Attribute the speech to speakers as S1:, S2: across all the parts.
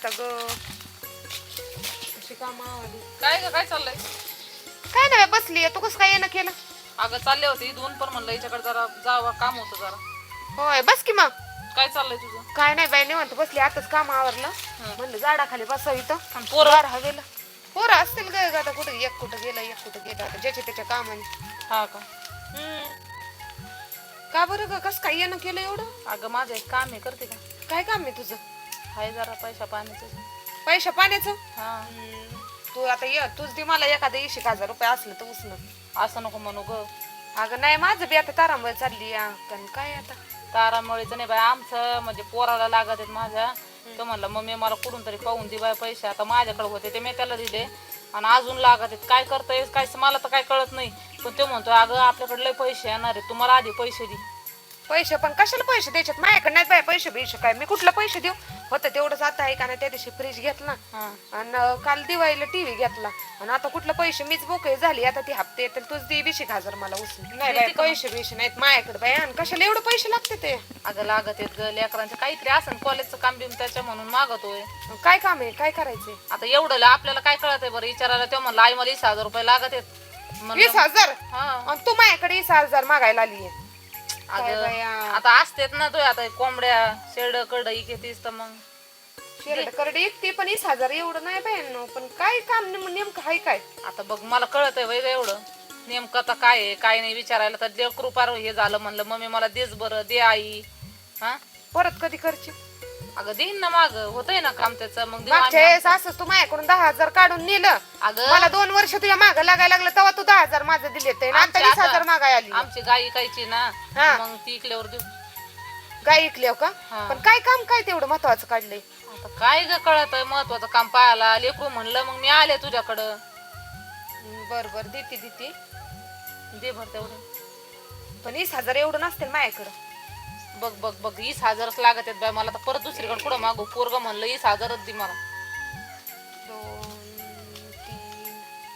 S1: आता ग अशी कामावली.
S2: काय चाललंय?
S1: काय नाही बसली. तू कसं काय येणं केलं?
S2: अगं चालले होते इथून पण म्हणलं हिच्याकडे जरा जावं, काम होतं जरा.
S1: होय बस की मग.
S2: काय चाललंय तुझं?
S1: काय नाही बाई निवांत बसली. आताच काम आवरलं. म्हणलं झाडाखाली बसावं इथं.
S2: आणि पोरं?
S1: हवेला पोरं असतील ग. आता कुठं एक कुठं गेलं आता ज्याच्या त्याच्या कामाने.
S2: हा का?
S1: का बरं ग कसं काय येणं केलं एवढं?
S2: अगं माझं एक काम आहे, करते का?
S1: काय काम आहे तुझं?
S2: हाय जरा पैसा पाण्याचं.
S1: पैशा पाण्याचं?
S2: हा.
S1: तू आता ये तूच दे मला एखादं 20,000 रुपये असलं तर उसनं.
S2: असं नको म्हणू ग.
S1: अगं नाही माझं बी आता तारांबळ चालली या. कारण काय आता
S2: तारामुळेच नाही बाय, आमचं म्हणजे पोराला लागत आहेत माझ्या. तो म्हणलं मम्मी मला कुठून तरी पाहून दे बाय पैसे. आता माझ्याकडे होते ते मी त्याला दिले आणि अजून लागत आहेत. काय करताय काय मला तर काय कळत नाही. पण तो म्हणतो अगं आपल्याकडे लय पैसे येणार आहे, तुम्हाला आधी पैसे दे.
S1: पैसे पण कशाला पैसे द्यायच्यात? माझ्याकडे नाही बाय पैसे बिशे काय. मी कुठला पैसे देऊ? होतं तेवढंच. आता आहे का नाही त्या दिवशी फ्रीज घेतला आणि काल दिवाळीला टीव्ही घेतला आणि आता कुठलं पैसे मीच बोकळी झाली. आता ती हप्ते येतील तूच दे 20,000 मला उचलून. नाही बाय पैसे बिशे नाहीत माझ्याकडे बाय. आणि कशाला एवढे पैसे लागते ते?
S2: अगं लागत आहेत ग लेकरांचे काहीतरी असं कॉलेजचं काम बिम त्याच्या म्हणून मागतोय.
S1: काय काम आहे? काय करायचंय?
S2: आता एवढं आपल्याला काय कळत आहे बरं? विचारायला तो म्हणला आई मला 20,000 रुपये लागत आहेत.
S1: 20,000?
S2: हा.
S1: आणि तू माझ्याकडे 20,000 मागायला आली?
S2: आता असतेत ना तो. आता कोंबड्या शेड कड घेतीस तर मग
S1: करडे एकटी पण 20,000 एवढं नाही बाय. पण काय काम नेमकं आहे काय?
S2: आता बघ मला कळत आहे वय एवढं नेमकं आता काय आहे काय नाही विचारायला तर देव कृपा हे झालं. म्हणलं मम्मी मला देच बरं दे आई. हा
S1: परत कधी करची?
S2: अगं देईन ना माग होतंय ना काम त्याचं. मग देऊ
S1: मागच्या
S2: आम्ही.
S1: वेळेस असंच तू माझ्याकडून 10,000 काढून नेलं.
S2: अगं
S1: मला 2 वर्ष तुझ्या माग लागायला लागलं तेव्हा तू 10,000 माझं दिले ते. आता 20,000 मागाय आली.
S2: आमची गाय इकायची ना
S1: हा.
S2: मग ती इकल्यावर देऊ.
S1: गाय इकल्या का?
S2: हा.
S1: पण काय काम काय तेवढं महत्वाचं काढलंय?
S2: आता काय ग कळत आहे महत्वाचं काम पाहायला लेकरू म्हणलं मग मी आले तुझ्याकडं.
S1: बर बर देते
S2: दे भर तेवढं.
S1: पण 20,000 एवढं नसतील माझ्याकडं.
S2: बघ बघ बघ 20,000च लागत आहेत बाय मला. तर परत दुसरीकडे कुठं मागू? पोरग म्हणलं 20,000च दे मला.
S1: 2 3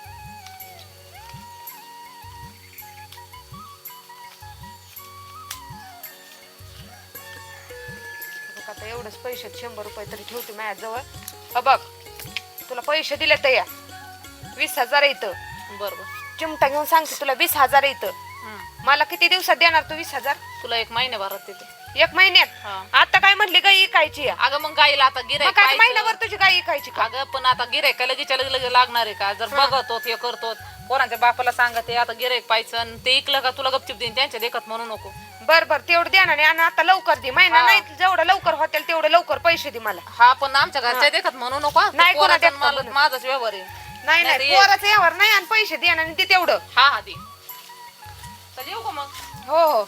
S1: आता एवढंच पैसे 100 रुपये तरी ठेवते माझ्याजवळ. बघ तुला पैसे दिले तर या 20,000 येतं.
S2: बरोबर
S1: चिमटा घेऊन सांगते तुला 20,000 येतं. मला किती दिवसात देणार तू 20,000?
S2: तुला 1 महिन्याभरात देते.
S1: 1 महिन्यात? आता काय म्हटली गाई इकायची?
S2: अगं मग गाईला आता गिरायक
S1: महिनाभर तुझी गाई इकायची का?
S2: अगं पण आता गिरायक लगेच लगेच लागणार आहे का? जर बघतो हे करतो पोरांच्या बापाला सांगते आता गिरायक पाहिजे ते इकलं का तुला गपचिप देईन. त्यांच्या देखत म्हणू नको.
S1: बर बर तेवढं द्या ना. आणि आता लवकर दे. महिना नाही जेवढं लवकर होतील तेवढं लवकर पैसे दे मला.
S2: हा पण आमच्या घरच्या देखत म्हणू नको.
S1: नाही कोणाच्या
S2: माझाच व्यवहार आहे.
S1: नाही नाही पोराचं यावर नाही. आणि पैसे दे आणि ते तेवढं.
S2: हा हा दे. तर येऊ का मग?
S1: हो हो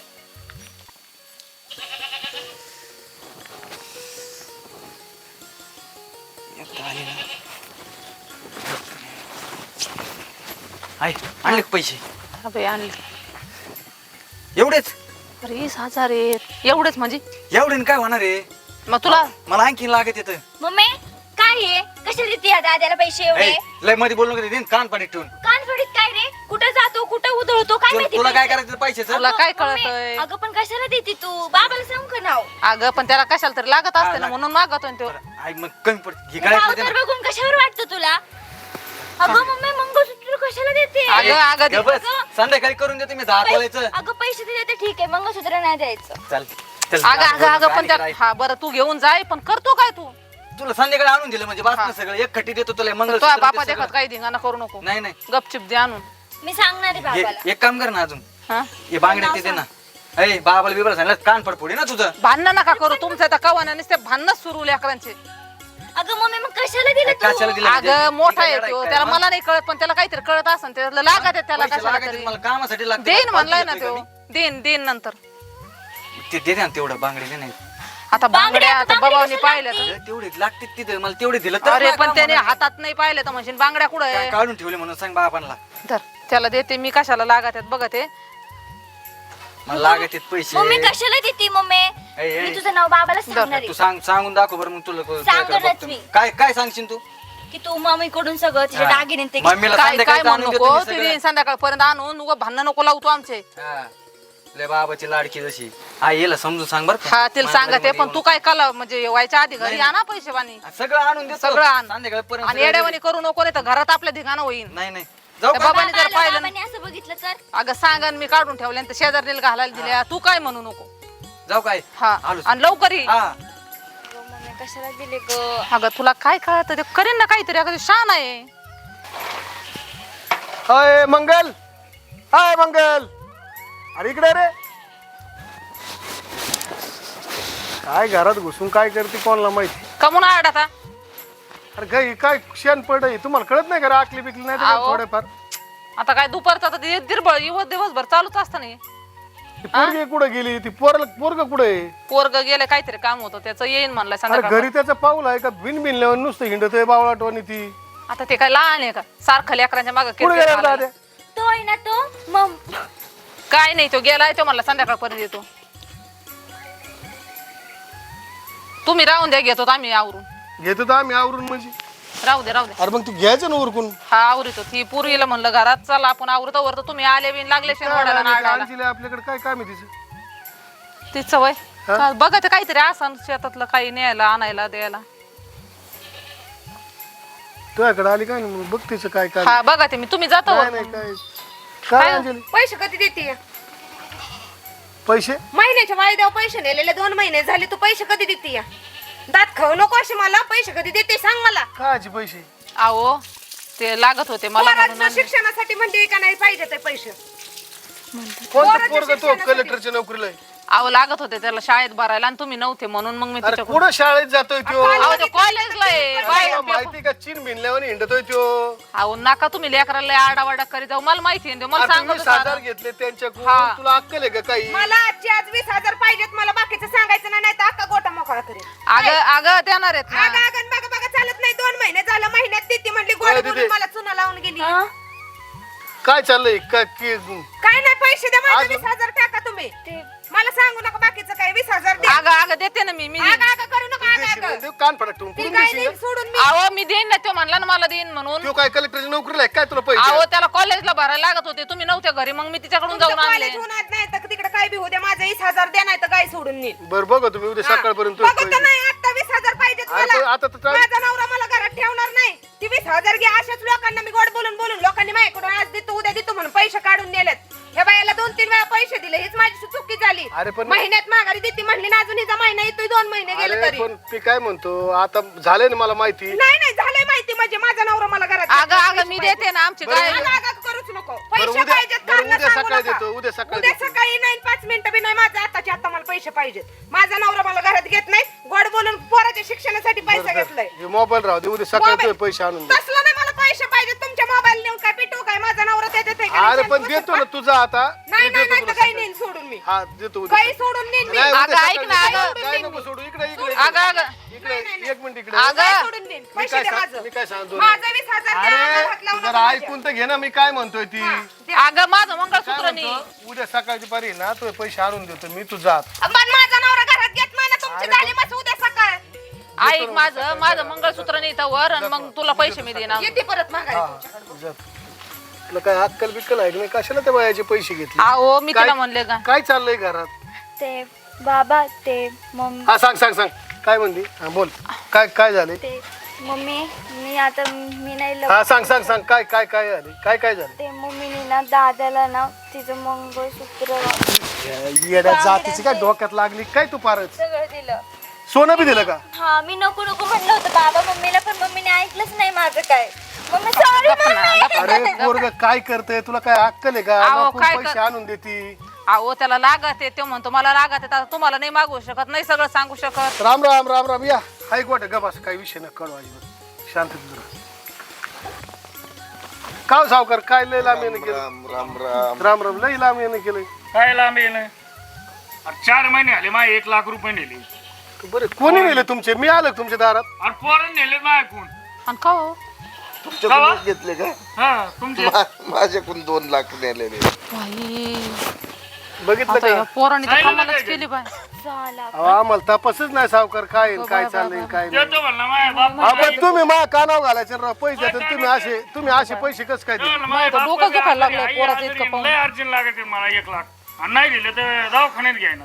S3: आणले पैसे?
S2: अबे आणले.
S3: एवढेच?
S2: अरे 20,000 आहेत. एवढेच म्हणजे
S3: एवढे काय होणार आहे?
S2: मग तुला
S3: मला आणखी लागत येत.
S4: मम्मी काय आहे? कशाला देते या दादाला पैसे एवढे?
S3: लय मध्ये बोलू नका. कान पाडीत ठेवून.
S4: कान फडीत काय रे? कुठं जातो कुठं उधळतो काय माहिती?
S3: तुला काय करायचं पैशाचं?
S2: तुला काय
S4: मम्मी,
S2: कळतंय?
S4: अगं पण कशाला देते तू? बाबाला सांग का नाव?
S2: अगं पण त्याला कशाला तरी लागत असते ना म्हणून मागतो तो.
S3: आई मग कमी पडत घे
S4: नाव
S3: गळ्यात
S4: तर बघून कशावर वाटतं तुला? अगं मम्मी मंगळसूत्र कशाला देते?
S2: अगं
S3: बस संध्याकाळी करून देते मी 10 तोळ्याचं.
S4: अगं पैसे दिले तर ठीक आहे, मंगळसूत्र नाही द्यायचं.
S3: चल चल.
S2: अगं पण त्या हा बरं तू घेऊन जाय. पण करतो काय तू?
S3: तुला संध्याकाळी आणून दिलं म्हणजे बास सगळं एक खट्टी देतो तुला
S2: तुझ्या
S3: मंगळसूत्र
S2: बापा
S3: ते
S2: देखत
S3: सगळं.
S2: काही धिंगाणा करू नको.
S3: नाही नाही
S2: गपचिप दे आणून.
S4: मी सांगणार आहे बाबाला.
S3: एक काम कर ना अजून.
S2: हा
S3: हे बांगड्या ते दे ना. अय बाबाला बिबाला सांगितलं कान पडफोडी ना तुझं.
S2: भांडण नका करू. तुमचं त्या कवाना नुसते भांडणच सुरू लेकरांचे.
S4: अगं मम्मी मग कशाला दिलं
S3: कशाला
S4: तू?
S3: दिलं म्हणजे?
S2: अगं मोठा
S3: ठीक आहे,
S2: येतो
S3: काय,
S2: त्याला
S3: हा?
S2: मला नाही कळत पण त्याला काहीतरी कळत असेल. त्याला लागत आहे त्याला
S3: पैसे
S2: कशाला
S3: लागायचे
S2: तरी.
S3: मला कामासाठी लागते.
S2: देईन म्हणलाय ना
S3: देतोय
S2: तो.
S3: का मी?
S2: देईन नंतर.
S3: ते दे ना तेवढं बांगडे दे नाही.
S2: आता बांगड्या आता बाबांनी पाहिल्या तर.
S3: तेवढे लागते तिथे मला तेवढे दिलं तर
S2: अरे
S3: मला
S2: पण
S3: काम
S2: त्याने
S3: होणार.
S2: हातात नाही पाहिले तर म्हणजे बांगड्या कुठं
S3: काय
S2: आहे?
S3: काढून ठेवले म्हणून सांग बाबांना.
S2: धर त्याला देते मी. कशाला लागत आहेत बघत आहे.
S3: मला लागत आहेत पैसे.
S4: मम्मी कशाला देते मम्मी?
S3: ऐ,
S4: मी तुझं नाव बाबाला सांगणार
S3: तू
S4: आहे
S3: सांगून दाखव बरं मग तुला
S4: सांगणारच
S3: बघतो.
S4: मी.
S3: काय काय सांगशील तू?
S4: की तू मम्मीकडून सगळं तिचे
S3: हा.
S4: दागिने ते
S3: मम्मीला
S2: काय
S3: संध्याकाळी
S2: काय म्हणू
S3: आणून देतो
S2: नको.
S3: मी
S2: ते
S3: सगळं.
S2: देईन संध्याकाळपर्यंत आणून उगा भांडण नको लावतो आमचे.
S3: हा. आपल्या बाबाची लाडकी जशी आई येला समजून सांग बरं का?
S2: हा तिला सांगते
S3: मानगडीमध्ये
S2: पण तू काय कला म्हणजे व्हायच्या आधी घरी आणा पैसे पाणी
S3: येऊन. सगळं आणून देतो
S2: सगळं आण.
S3: संध्याकाळपर्यंत
S2: आणि येड्यावानी करू नको नाही तर घरात आपल्या धिगाणं होईन.
S3: नाही नाही जाऊ
S2: त्या
S3: का?
S2: बाबांनी जर पाहिलं ना,
S4: बाबांनी असं बघितलं तर
S2: अगं सांगा मी काढून ठेवले तर शेजारीला घालायला दिल्या तू काय म्हणू नको.
S3: जाऊ काय
S2: हा
S3: आलोच.
S2: आणि लवकर ये.
S3: हा
S4: गं, मम्मी कशाला दिले ग
S2: अगं तुला काय कळत ते करीन ना काहीतरी अगं ते शान आहे.
S5: हाय मंगल, हाय मंगल, अरे इकडे रे. काय घरात घुसून काय करते कोणाला माहिती.
S2: कमून आड आता
S5: अरे गाई काय शेण पड तुम्हाला कळत नाही का रे? आकली बिकली नाही तर
S2: आहो.
S5: थोडेफार.
S2: आता काय दुपारचा तर ते दिरबळ दिवसभर चालूच असतं नाही.
S5: ती पोरगी कुठे गेली? ती पोरग कुठे?
S2: पोरग गेलं काहीतरी काम होतं त्याचं येईन म्हणलं
S5: अरे
S2: संध्याकाळ.
S5: घरी त्याचं पाऊल आहे का? बिन बिनल्यावर नुसतं हिंडतोय बावळाटवानी ती.
S2: आता ते काय लहान आहे का सारखं लेकरांच्या मागं
S5: कुठे
S2: किरकिर
S5: गेला
S2: घालायला.
S5: दाद्या?
S4: तो आहे ना तो मम
S2: काय नाही तो गेलाय तो म्हणला संध्याकाळपर्यंत येतो. तुम्ही राहून द्या घेतो आम्ही आवरून.
S5: घेतो तर आम्ही आवरून म्हणजे.
S2: राहू दे राहू दे.
S5: अरे मग तू घ्यायचं ना उरकून.
S2: हा आवरितो ती पूर्वीला म्हणलं घरात चला आपण आवरतो वरतो तुम्ही आले बिन लागले शेणवाड्याला नाडायला.
S5: काळजीला आपल्याकडे काय काम आहे तिचं?
S2: ती सवय
S5: हा?
S2: बघा ते काहीतरी असं शेतातलं काही न्यायला आणायला द्यायला.
S5: तुझ्याकडे आली काय नाही बघ तिचं काय काय.
S2: हा बघा ते मी तुम्ही जातो
S5: नाही
S2: वरतून.
S5: नाही काय काय अंजली?
S1: पैसे कधी देते
S5: पैसे
S1: महिन्याच्या वायद्यावर पैसे नेलेले 2 महिने झाले तू पैसे कधी देते या दात खाऊ नको असे मला पैसे कधी देते सांग मला
S5: कायचे पैसे?
S2: अहो ते लागत होते मला म्हणून
S1: पोरांचं शिक्षणासाठी म्हणते का नाही पाहिजे ते पैसे
S5: कोणतं
S1: पोराच्या
S5: पोरग तो
S1: शिक्षणासाठी.
S5: कलेक्टरच्या नोकरीला आहे?
S2: अहो लागत होते त्याला शाळेत भरायला आणि तुम्ही नव्हते म्हणून मग मी
S5: अरे
S2: तिच्याकडून.
S5: कुठं शाळेत जातोय त्यो?
S2: अहो ते कॉलेजला आहे बाहेर
S5: तुला माहिती का चीन भिनल्यावर हिंडतोय त्यो?
S2: अहो नका तुम्ही लेकराला आडावाडा करीत जाऊ मला माहिती आहे मला
S5: अरे
S2: सांगत
S5: तुम्ही
S2: होता.
S5: 20,000 घेतले त्यांच्याकडून.
S2: हा.
S5: तुला अक्कल आहे का काही?
S1: मला आजची आज 20,000 पाहिजेत मला बाकीचं सांगायचं नाही तर अख्खा गोटा मोकळा करेल
S2: अगं अगं देणार आहेत ना.
S1: आगा आगन बघा बघा चालत नाही 2 महिने झालं महिन्यात देते म्हणली गोड
S5: काय
S1: बोलून
S5: देते?
S1: मला चुना लावून गेली
S5: काय चाललंय काय
S1: काय नाही पैसे द्या माझे
S5: आज-
S1: 20,000 टाका तुम्ही मला सांगू नका बाकीचं काय 20,000 द्या
S2: अगं अगं देते ना मी
S1: आगा आगा करू नका आगा आगा
S5: कान फडक ठेवून
S1: ती
S5: पुढून
S1: काय
S5: देशील
S1: नाही
S5: का?
S1: सोडून मी
S2: अहो मी देईन ना तो म्हणला ना मला देईन म्हणून.
S5: त्यो काय कलेक्टरच्या नोकरीला आहे काय? तुला पैसे
S2: अहो त्याला कॉलेजला भरायला लागत होते तुम्ही नव्हते घरी मग मी तिच्याकडून जाऊन आणले.
S1: कॉलेज होणार नाही तर तिकडे काय बी होऊ माझं 20,000 द्या नाही तर काय सोडून नेईल
S5: बर बघा तुम्ही उद्या सकाळपर्यंत
S1: बघू तर नाही आता 20,000 पाहिजेत
S5: अरे पण
S1: मला
S5: आता तर चालेल.
S1: माझा नवरा मला घरात ठेवणार नाही ती 20,000 घ्या अशाच लोकांना मी गोड बोलून बोलून लोकांनी माझ्याकडून आज देतो उद्या देतो म्हणून पैसे काढून नेलेत ह्या बायाला 2-3 वेळा पैसे दिले हीच माझी चुकी झाली
S5: अरे पण-
S1: महिन्यात माघारी देते म्हणली ना अजून हिचा महिना येतोय 2 महिने गेले
S5: अरे
S1: तरी
S5: पण मी काय म्हणतो आता झालंय ना मला माहिती.
S1: नाही नाही झालंय माहिती म्हणजे माझा नवरा मला घरात
S2: अगं अगं मी देते ना आमची गाय.
S1: आगा आगा करूच नको
S5: बरं,
S1: पैसे
S5: उद्या-
S1: पाहिजेत
S5: बरं,
S1: कारण
S5: उद्या
S1: सांगू
S5: सकाळी
S1: नका.
S5: देतो, उद्या सकाळी
S1: उद्या
S5: देतो.
S1: सकाळी नाही 5 मिनिटं बी नाही माझं आताच्या आता मला पैसे पाहिजेत माझा नवरा मला घरात घेत नाही गोड बोलून पोराच्या शिक्षणासाठी पैसा घेतलाय
S5: हे मोबाईल राहू दे उद्या सकाळी तुझे
S1: मोबाईल-
S5: पैसे आणून दे.
S1: तसलं नाही मला पैसे पाहिजे तुमच्या मोबाईल नेऊन काय पिटू काय माझा नवरा त्याच्यात आहे का नाही?
S5: अरे पण
S1: शांत
S5: देतो
S1: बसा.
S5: ना तुझा आता
S1: नाही
S5: मी
S1: नाही
S5: देतो
S1: नाही
S5: तुला
S1: तर काही
S5: सकाळी.
S1: नेईन सोडून मी
S5: हा देतो उद्या
S1: काही
S5: सकाळी.
S1: सोडून नेईन मी
S5: नाही, उद्या
S2: अगं, ऐक
S5: सकाळी
S2: ना,
S5: देतो.
S2: अगं.
S5: काय नको सोडू इकडे इकडे
S2: अगं अगं
S5: इकडे एक मिनिट इकडे
S2: अगं.
S1: काही सोडून नेईन
S5: मी
S1: पैसे
S5: काय
S1: द्या
S5: सांग-
S1: माझं
S5: मी काय सांगतो
S1: माझं 20,000 द्या,
S5: अरे
S1: हात लावू
S5: तू
S1: नका
S5: जरा
S1: माझ्या.
S5: ऐकून तर घे ना मी काय म्हणतोय ती
S1: द्या.
S2: अगं माझं
S5: काय
S2: मंगळसूत्र नाही.
S5: म्हणतो उद्या सकाळची पारी ना तुझे पैसे आणून देतो मी तू जात.
S1: पण माझा नवरा घरात घेत नाही ना तुमची झाली मग उद्या सकाळ
S2: ऐक माझं मंगळसूत्र नाही तर वर आणि मग तुला पैसे मी देणार.
S1: येते परत मागायला
S5: जात. तुला काय अक्कल बिक्कल आहे की नाही? कशाला त्या बायाचे पैसे घेतले?
S2: अहो मी
S5: काय-
S2: तिला म्हणले का
S5: काय चाललंय घरात?
S4: ते बाबा ते मम्मी
S5: हा सांग सांग सांग काय म्हणली? हा बोल काय काय झाले?
S4: ते मम्मी मी आता मी नाही
S5: हा सांग सांग सांग काय काय काय झाले? काय काय झाले?
S4: ते मम्मीने ना दादाला ना तिचं मंगळसूत्र
S5: येड्या जातीची काय डोक्यात लागली काय तू पारच?
S4: सगळं दिलं
S5: सोनं बी दिलं का?
S4: हा मी नको नको म्हणलं होतं बाबा मम्मीला पण मम्मीने ऐकलंच नाही माझं काय मम्मी सॉरी
S5: अरे पोरग काय करतय? तुला काय अक्कल आहे का?
S2: अहो,
S5: नको
S2: काय
S5: पैसे
S2: कर-
S5: आणून देती.
S2: अहो त्याला लागत आहे तो म्हणतो मला लागत आहे आता तुम्हाला नाही मागू शकत नाही सगळं सांगू शकत.
S5: राम राम राम राम या हाय गोट गबास काही विषय न कळवा शांत तुझं काव सावकार काय लय लांब येणं केलं?
S6: राम राम राम
S5: राम राम लय लांब येणं केलं.
S7: काय लांब येणं 4 महिने आले माझे 1 लाख रुपये नेले
S5: बरं कोणी नेले तुमचे? मी आलो का तुमच्या दारात?
S7: आणि पोरण नेले माझ्याकडून
S2: आणि का हो?
S6: तुमच्याकडूनच घेतले का
S7: हा तुमचे
S6: माझ्याकडून 2 लाख नेलेले
S2: बाई,
S5: बघितलं
S2: आता या
S5: का?
S2: पोरांनी तर
S7: सांगितलं
S2: कमालच
S7: काय
S2: केली बाय.
S4: झाला
S5: अहो, आम्हाला तपासच नाही सावकार काय आहे, काय चाललंय काय नाही.
S7: देतो म्हणला माझ्या बाप
S5: आपण तुम्ही मा कानाव घालायचे राव पैसे देतात तुम्ही असे पैसे कस काय देता?
S7: माझ्या
S2: तर डोकं दुखायला लागलं पोराचं इतकं पाहून.
S7: लय अर्जंट लागते मला 1 लाख आणि नाही दिलं तर दवाखान्यात घ्यायना.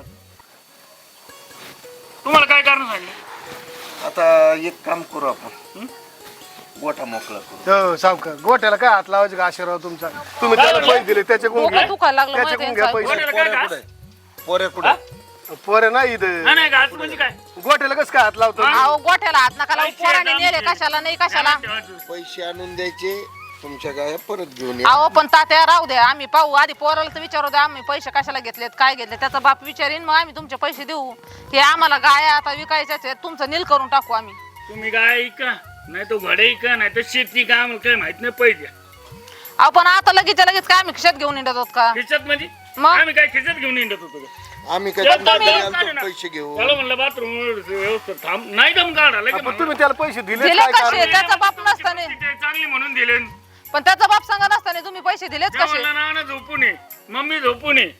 S7: तुम्हाला काय कारण सांगितलं?
S6: आता एक काम करू आपण, गोठा मोकळा करू.
S5: हो सावकार गोट्याला काय हात लावायचे का आशीर्वाद तुमचा? तुम्ही त्याला पैसे दिले त्याच्याकडून
S2: डोकं
S5: घ्या,
S2: दुखायला लागलं
S5: त्याच्याकडून घ्या पैसे.
S7: गोट्याला काय घास?
S6: पोरे कुठे?
S5: पोरे नाही इथं
S7: नाही घास म्हणजे काय?
S5: गोट्याला कसं काय हात लावतो?
S2: अहो गोठ्याला हात नका लावू, पोराने नेले कशाला नाही कशाला.
S6: पैसे आणून द्यायचे, तुमच्या गाया परत घेऊन या.
S2: अहो पण तात्या राहू द्या, आम्ही पाहू आधी पोराला तर विचारू द्या आम्ही पैसे कशाला घेतलेत काय घेतले त्याचा बाप विचारीन मग आम्ही तुमचे पैसे देऊ. हे आम्हाला गाया आता विकायच्याच आहेत, तुमचं नील करून टाकू आम्ही.
S7: तुम्ही काय ऐका, नाही तो घडे ऐका, नाही तर शेती का आम्हाला काय माहित नाही पैसे.
S2: अहो पण आता लगेच काय आम्ही खिशात घेऊन येत आहोत का?
S7: खिशात म्हणजे
S2: मग?
S7: आम्ही काय खिशात घेऊन येत होतो का?
S6: आम्ही काय
S7: त्याला
S6: तुमच्या
S7: दम
S6: घरी
S7: काढा
S6: आलतो
S7: ना.
S6: पैसे घेऊ.
S7: त्याला म्हणलं बाथरूम व्यवस्थित थांब, नाही दम काढा लगेच
S5: पण
S7: म्हणलं.
S5: तुम्ही त्याला पैसे दिले
S2: दिले
S5: काय
S2: कसे?
S5: कारण?
S2: त्याचा बाप नसताना.
S7: ते चांगली म्हणून दिले.
S2: पण त्याचा बाप सांगा नसताना तुम्ही पैसे दिलेच
S7: त्या
S2: कसे?
S7: म्हणलं नाना झोपून ये, मम्मी झोपून ये.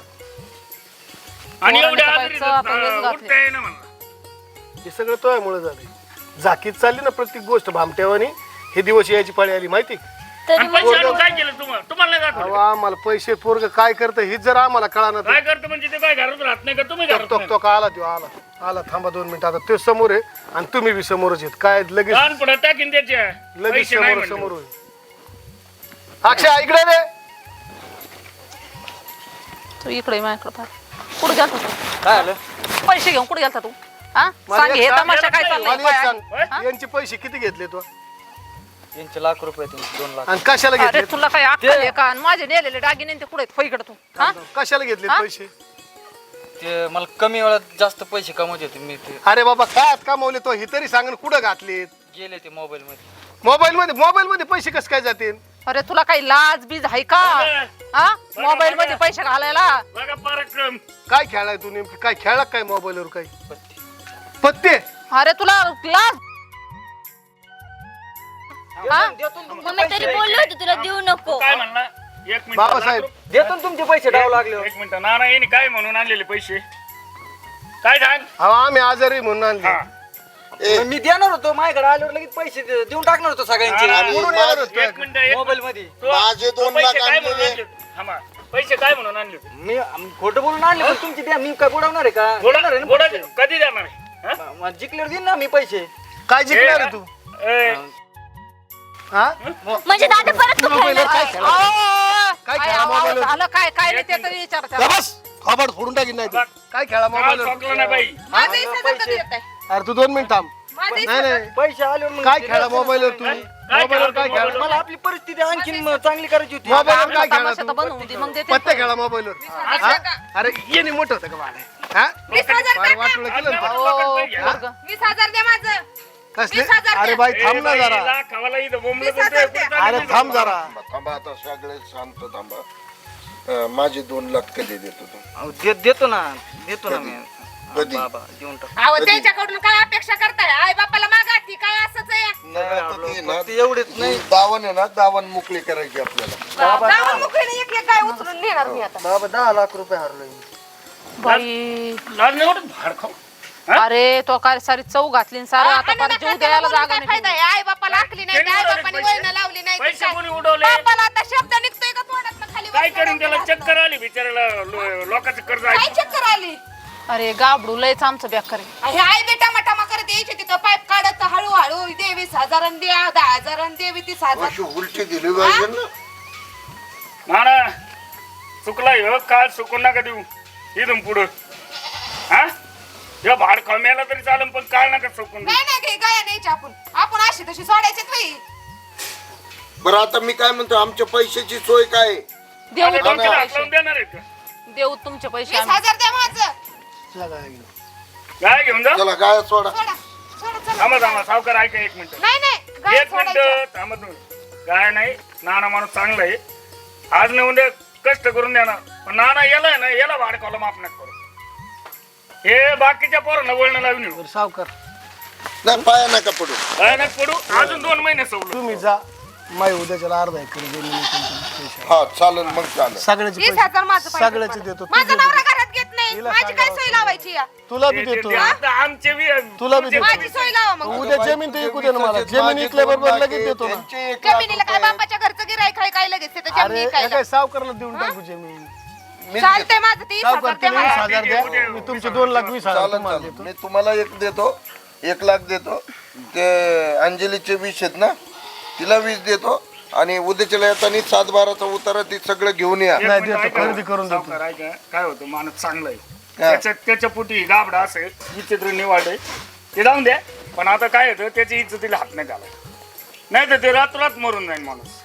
S7: आणि
S2: पोरांनी
S7: एवढ्या
S2: तर
S7: आजारी
S2: बाईचं आता वेच घातले.
S7: उठता येईना म्हणलं.
S5: हे सगळं तोयामुळे झाले. झाकीत चालली ना प्रत्येक गोष्ट भामट्यावानी. हे दिवस यायची पाळी आली माहिती.
S7: आणि पैसे आणून काय केलं तुम्हाला नाही
S5: अहो
S7: दाखवलं?
S5: आम्हाला पैसे पोरग काय करतं हेच जर आम्हाला कळाना
S7: काय करतं म्हणजे ते काय घरात राहत नाही का? तुम्ही घरात
S5: तो तो का आला तो आला थांबा 2 मिनिटं. आता ते समोर आहे आणि तुम्ही बी समोरच आहेत. काय लगेच
S7: लहान पडत टाकीन त्याच्या
S5: लगेच
S7: पैसे नाही
S5: समोर
S7: म्हणलं.
S5: समोर होईल. अक्षय इकडे रे.
S2: तू इकडे माझ्याकडे पाह. कुठे गेलता तू?
S3: काय आलं?
S2: पैसे घेऊन कुठे गेलता तू? हा
S5: मला
S2: सांग
S5: एक
S2: हे
S5: सांग,
S2: तमाशा काय
S5: मला एक
S2: चाललाय?
S5: सांग, यांचे पैसे किती घेतले तू
S3: यांचे लाख रुपये 2 लाख.
S5: आणि कशाला
S2: अरे
S5: घेतले?
S2: तुला काय अक्कल आहे का? आणि माझे नेलेले दागिने ते कुठे आहेत? इकडे तू हा?
S5: कशाला घेतले
S2: हा?
S5: पैसे?
S3: ते मला कमी वेळात जास्त पैसे कमवत होते मी. ते
S5: अरे बाबा काय कमावले तो हे तरी सांग ना, कुठं घातलेत?
S3: गेले ते मोबाईल मध्ये.
S5: मोबाईल मध्ये पैसे कसं काय जातील?
S2: अरे तुला काही लाज बीज आहे का? हा मोबाईल मध्ये पैसे घालायला?
S7: बघा पराक्रम.
S5: काय खेळाय तू नेमकी? काय खेळला काय मोबाईलवर? काय
S3: पत्ते.
S5: पत्ते?
S2: अरे तुला लाज हा?
S4: मम्मी तरी बोललो होतो तुला देऊ नको.
S7: काय म्हणला? एक मिनिट
S5: बाबासाहेब
S3: देतो ना तुमचे पैसे डाव लागले.
S7: एक मिनिट नाना येणे काय म्हणून आणलेले पैसे काय सांग?
S5: अहो आम्ही आजारी म्हणून आणले.
S7: हा.
S3: मी देणार होतो माझ्याकडे आल्यावर लगेच पैसे देऊन टाकणार होतो सगळ्यांचे.
S7: आणि
S5: म्हणून
S6: माझे-
S5: येणार होतो.
S7: एक मिनिट
S3: मोबाईल मध्ये
S6: माझे 2
S7: पैसे
S6: लाख
S7: काय म्हणून
S6: आणलेले.
S7: आणले होते? थांबा. पैसे काय म्हणून आणले होते?
S3: मी खोटं बोलून आणले पण तुमचे द्या. मी काय बुडवणार आहे का? देणार आहे ना
S7: गोडा
S3: पैसे.
S7: कधी देणार आहे? हा?
S3: मग जिंकल्यावर देईन ना मी पैसे.
S5: काय जिंकणार आहे तू?
S7: ए,
S5: हा
S4: म्हणजे दादा परत तू
S5: मोबाईलवर काय
S4: खेळणार?
S5: खेळला?
S2: काय
S5: खेळा मोबाईलवर?
S2: झालं काय काय नाही ते तरी विचार त्याला.
S5: बस खबर फोडून टाकीन नाही तू. काय खेळा
S7: काल
S5: मोबाईलवर?
S7: चॉकलं नाही बाई.
S1: माझं 20,000 कधी येत आहे?
S5: अरे तू 2 मिनिट थांब.
S1: माझं
S5: नाही
S1: 20,000
S5: नाही
S3: पैसे आल्यावर मग
S5: काय
S3: ते
S5: खेळा
S3: द्यायचं
S5: मोबाईलवर
S3: ना.
S5: तू?
S7: काय
S5: मोबाईलवर
S7: खेळा
S5: काय
S7: मोबाईलवर?
S5: खेळा?
S3: मला आपली परिस्थिती आणखीन चांगली करायची होती.
S5: मोबाईलवर काय खेळा
S2: तमाशा तर
S5: तू?
S2: बनवून दे मग देते
S5: पत्ते खेळा मोबाईलवर. हा? अरे येणे मोठं होतं का बाळा? हा
S1: 20,000
S5: फार वाटलं केलं ना तू.
S2: हो,
S7: घ्या.
S2: पोरगं.
S1: 20,000 द्या माझं.
S5: कसले?
S1: 20,000
S5: अरे
S1: द्या.
S5: बाई
S7: ए,
S5: थांब ना
S7: बाई,
S5: जरा.
S7: लाखावाला इथं बोंबलं
S1: 20,000
S7: बोलतोय,
S1: द्या.
S7: कुठं
S5: अरे
S7: चाललं
S5: थांब
S7: नाही.
S5: जरा.
S6: थांबा आता सगळे शांत थांबा. माझे 2 लाख कधी देतो तू?
S3: अहो, देतो ना मी.
S6: कधी?
S3: बाबा देऊन टाक.
S1: अहो त्यांच्याकडून काय अपेक्षा करताय? आई बापाला मागा ती काय असंच आहे.
S6: नाही, आता ते ना,
S3: फक्त एवढेच नाही.
S6: दावण आहे ना, दावण मोकळी करायची आपल्याला.
S1: गावात मुकळीने एक एक गाय उचलून नेणार मी आता.
S3: बाबा 10 लाख रुपये हरलोय.
S2: बाई
S7: लाज नाही वाटत? भाड खाऊ.
S2: अरे तो काय सारी चव घातली आणि सारं आता पार जीव द्यायला जागा
S1: काय
S2: नाही
S1: फायदा आहे? आई बापाला आखली नाही
S7: त्यांनी
S1: आई
S7: उडवले
S1: बापाने
S7: पैसे.
S1: वळण लावली नाही
S7: पैसे
S1: काय?
S7: कोणी उडवले?
S1: बापाला आता शब्द निघतोय का तोंडातनं खाली
S7: काय
S1: वरनं
S7: करीन त्याला?
S1: डोक्याला
S7: चक्कर आली बिचाराला. लोकांचं कर्ज
S1: काय
S7: आहे.
S1: चक्कर आली?
S2: अरे गाबडू लयच आमचं बेकार आहे.
S1: हे आई बेटा मटामा करत यायचे तिथं पाईप काढत हळूहळू दे 20,000 आणि दे 10,000 आणि दे 30,000.
S6: अशी उलटी दिली पाहिजे ना.
S7: नाना चुकलाय हो, काल चुकून नका देऊ इथून पुढं. हा हे भाड खाऊ तरी चालेल पण काल नका चुकून देऊ.
S1: नाही नाही काही गाया न्यायची आपण अशी तशी सोडायची बाई.
S6: बरं आता मी काय म्हणतो, आमच्या पैशाची सोय काय आहे?
S2: देऊ
S7: आता
S2: तुमचे
S7: डोक्याला हात
S2: पैसे
S7: लावून देणार आहेत का?
S2: देऊ तुमचे पैसे आम्ही.
S1: 20,000 द्या माझं.
S7: काय घेऊन जा.
S6: चला गाय सोडा.
S1: सोडा सोडा चला.
S7: थांबा सावकार ऐका 1 मिनिट.
S1: नाही नाही गाय
S7: 1
S1: सोडायची.
S7: मिनिट थांबा तुम्ही. काय नाही नाना माणूस चांगला आहे. आज नाही उद्या कष्ट करून देणार पण नाना याला ना याला भाड खायला माफ नका करू. हे बाकीच्या पोरांना वळण लावून येऊ.
S5: सावकार
S6: नाही पाया नका पडू.
S7: काय नाही पडू अजून 2 महिने सवलत.
S5: तुम्ही जा. माय उद्याच्याला अर्धा एकर जमीन पैसे
S6: हा चालेल मग चालेल.
S5: सगळ्याचे
S1: 20,000 माझं
S5: पैसे
S1: पाहिजे
S5: सगळ्याचे
S1: मला.
S5: देतो.
S1: माझा नवरा घरात घेत नाही.
S5: तिला
S1: माझी काय सोय लावायची या?
S5: तुला बी देतो.
S7: आता आमचे
S5: तुला बी देतो.
S1: माझी सोय लावा मग.
S5: उद्या जमीन तर ऐकू दे ना मला. जमीन इकल्याबरोबर लगेच देतो ना.
S6: त्यांचे 1 लाख
S1: जमिनीला काय
S6: रुपये.
S1: बापाच्या घरचं गिराय काय लगेच तिथं
S5: अरे
S1: जमिनी
S5: हे
S1: काय
S5: काय सावकारला देऊन टाकू जमीन.
S6: मीच
S1: चालतंय माझं 30,000
S5: सावकार
S1: द्या
S5: तुम्ही
S1: मला.
S5: 20,000 द्या मी तुमचे 2,20,000
S6: चालन
S5: तुम्हाला
S6: चालन
S5: देतो.
S6: मी तुम्हाला एक देतो 1 लाख देतो ते अंजलीचे 20 आहेत ना तिला 20 देतो आणि उद्याच्याला येताना 7-12चा उतारा ते सगळं घेऊन या
S5: नाही,
S7: एक मिनिट
S5: देतो,
S7: ऐका.
S5: खरेदी करून देतो.
S7: सावकार ऐका, काय होतं माणूस चांगलं आहे त्याच्या पोटी गाबडा असेल विचित्र निवाड आहे ते जाऊन द्या पण आता काय होतं त्याची इज्जतीला हात नाही घाला नाही तर ते रातोरात मरून जाईल माणूस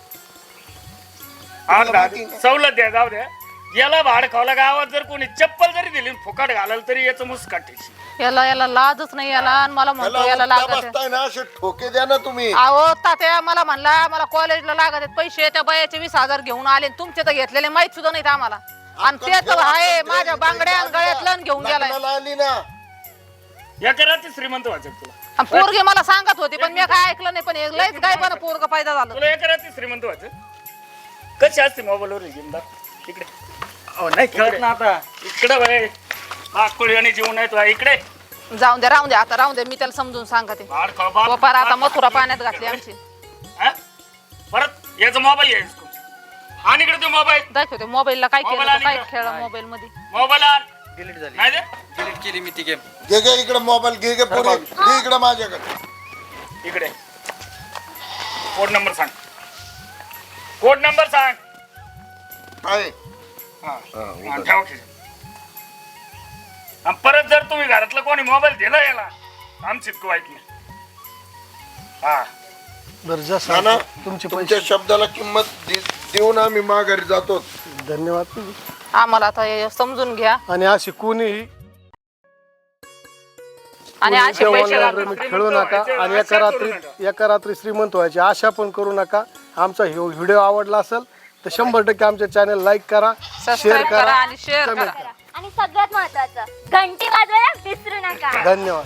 S7: सवलत द्या जाऊ द्या याला भाड खावला गावात जर कोणी चप्पल जरी दिली फुकट घालाल तरी याचं मुस्काटीशी
S2: याला लाजच नाही याला आणि मला म्हणतो याला
S6: त्याला
S2: लागत आहे.
S6: बसताय ना असे ठोके द्या ना तुम्ही
S2: अहो तात्या मला म्हणला मला कॉलेजला लागत आहेत पैसे त्या बायाचे 20,000 घेऊन आले आणि तुमचे तर घेतलेले माहित सुद्धा नाहीत आम्हाला आणि ते तर आहे माझ्या बांगड्या आणि गळ्यातलं आणि घेऊन गेलाय
S6: लग्नाला आली ना
S7: या कराची श्रीमंत व्हायचं तुला
S2: आणि पोरगी मला सांगत होती पण मी काय ऐकलं नाही पण हे लयच काय पण पोरग फायदा झालं
S7: तुला या कराची श्रीमंत व्हायचं कशी असते मोबाईलवर गेम इकडे
S3: नाही कळत ना आता
S7: इकडे बाय आकुळी आणि जीवन आहे तुला इकडे
S2: जाऊन द्या राहून द्या आता राहून द्या मी त्याला समजून सांगते
S7: भाड खाऊ बाप.
S2: पप्पा आता मथुरा पाण्यात घातली आमची
S7: हा? परत याचा मोबाईल घ्यायचा तू आणि इकडे तू मोबाईल
S2: दाखवते मोबाईलला काय केलं
S7: मोबाईल
S2: तर काय
S7: आणि
S2: खेळ मोबाईल मध्ये
S7: मोबाईल आण
S3: डिलीट झाली
S7: नाही दे
S3: डिलीट केली मी ती गेम
S6: घे इकडे मोबाईल घे पुढे घे इकडे माझ्याकडे
S7: इकडे कोड नंबर सांग कोड नंबर सांग
S6: आहे
S7: हा. हा, ठेव खिशात. आणि परत जर तुम्ही घरातलं कोणी मोबाईल दिला याला आमची इतकं वाईट नाही हा
S5: बरं जा
S6: ना ना
S5: सावकार, तुमचे
S6: तुमच्या
S5: पैसे
S6: शब्दाला किंमत देऊन आम्ही माघारी जातो
S5: धन्यवाद
S2: आम्हाला आता हे समजून घ्या
S5: आणि अशी कोणीही
S2: आणि असे पैसे
S5: ऑनलाईन
S2: लागले
S5: रेमिट खेळू नका आणि एका रात्री श्रीमंत व्हायची आशा पण करू नका आमचा व्हिडिओ आवडला असेल तर 100% आमच्या चॅनल लाईक करा शेअर
S2: सबस्क्राईब करा
S5: करा
S2: आणि शेअर
S5: कमेंट
S2: करा
S5: करा
S4: आणि सगळ्यात महत्वाचं घंटी वाजवायला विसरू नका
S5: धन्यवाद